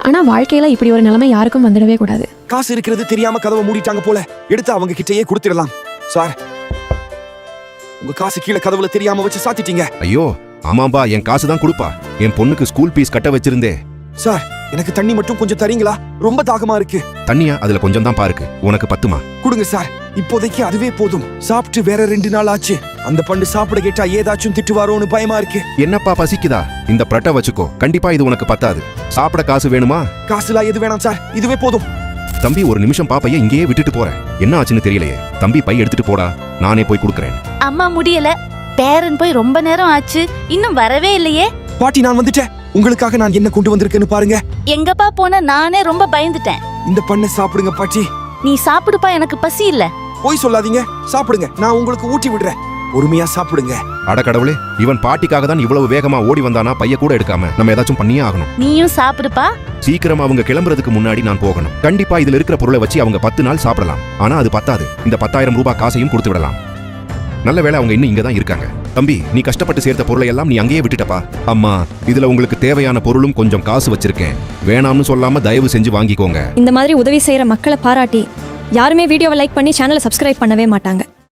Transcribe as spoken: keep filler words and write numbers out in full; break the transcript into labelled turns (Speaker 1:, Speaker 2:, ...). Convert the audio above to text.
Speaker 1: ஆனா வாழ்க்கையில இப்படி ஒரு நிலைமை யாருக்கும் வந்துடவே கூடாது.
Speaker 2: காசு இருக்கிறது தெரியாம கதவை மூடிட்டாங்க போல. எடுத்து அவங்க கிட்டயே கொடுத்துடலாம். சார், உங்க காசு கீழே கதவுல தெரியாம வச்சு சாத்திட்டீங்க.
Speaker 3: ஐயோ ஆமாம்பா, என் காசு தான் கொடுப்பா. என் பொண்ணுக்கு ஸ்கூல் ஃபீஸ் கட்ட வச்சிருந்தே.
Speaker 2: சார், எனக்கு தண்ணி மட்டும் கொஞ்சம் தரீங்களா? ரொம்ப தாகமா இருக்கு.
Speaker 3: தண்ணியா? அதுல கொஞ்சம் தான் பாருக்கு. உனக்கு பத்துமா?
Speaker 2: கொடுங்க சார், இப்போதைக்கு அதுவே போதும். சாப்பிட்டு வேற ரெண்டு நாள் ஆச்சு. அந்த பண்டு சாப்பிட கேட்டா ஏதாச்சும் திட்டுவாரோன்னு பயமா இருக்கு.
Speaker 3: என்னப்பா பசிக்குதா? இந்த பிரட்டை வச்சுக்கோ, கண்டிப்பா இது உனக்கு பத்தாது. சாப்பிட காசு வேணுமா?
Speaker 2: காசுலாம் எது வேணாம் சார், இதுவே போதும்.
Speaker 3: தம்பி ஒரு நிமிஷம் பாப்பைய இங்கேயே விட்டுட்டு போறேன். என்ன ஆச்சுன்னு தெரியலையே. தம்பி பை எடுத்துட்டு போடா, நானே போய் கொடுக்கறேன்.
Speaker 4: அம்மா முடியல, பேரன் போய் ரொம்ப நேரம் ஆச்சு, இன்னும் வரவே இல்லையே.
Speaker 2: பாட்டி, நான் வந்துட்டேன். உங்களுக்காக நான் என்ன கொண்டு வந்திருக்கேன்னு பாருங்க.
Speaker 4: எங்கப்பா போன? நானே ரொம்ப பயந்துட்டேன்.
Speaker 2: இந்த பண்ணை சாப்பிடுங்க பாட்டி.
Speaker 4: நீ சாப்பிடுப்பா, எனக்கு பசி இல்ல.
Speaker 2: போய் சொல்லாதீங்க, சாப்பிடுங்க. நான் உங்களுக்கு ஊட்டி விடுறேன். பொறுமையா சாப்பிடுங்க.
Speaker 3: அட கடவுளே, இவன் பாட்டிக்காக தான் இவ்வளவு வேகமா ஓடி வந்தானா? பைய கூட எடுக்காம. நம்ம ஏதாச்சும் பண்ணியே ஆகணும்.
Speaker 4: நீயும் சாப்பிடுப்பா.
Speaker 3: சீக்கிரம் அவங்க கிளம்புறதுக்கு முன்னாடி நான் போகணும். கண்டிப்பா இதுல இருக்கிற பொருளை வச்சு அவங்க பத்து நாள் சாப்பிடலாம். ஆனா அது பத்தாது. இந்த பத்தாயிரம் ரூபாய் காசையும் கொடுத்து விடலாம். நல்ல வேளை அவங்க இன்னும் இங்கதான் இருக்காங்க. தம்பி, நீ கஷ்டப்பட்டு சேர்த்த பொருளை எல்லாம் நீ அங்கேயே விட்டுட்டப்பா. அம்மா, இதுல உங்களுக்கு தேவையான பொருளும் கொஞ்சம் காசு வச்சிருக்கேன். வேணாம்னு சொல்லாம தயவு செஞ்சு வாங்கிக்கோங்க.
Speaker 1: இந்த மாதிரி உதவி செய்யற மக்களை பாராட்டி யாருமே வீடியோவை லைக் பண்ணி சேனலை சப்ஸ்கிரைப் பண்ணவே மாட்டாங்க.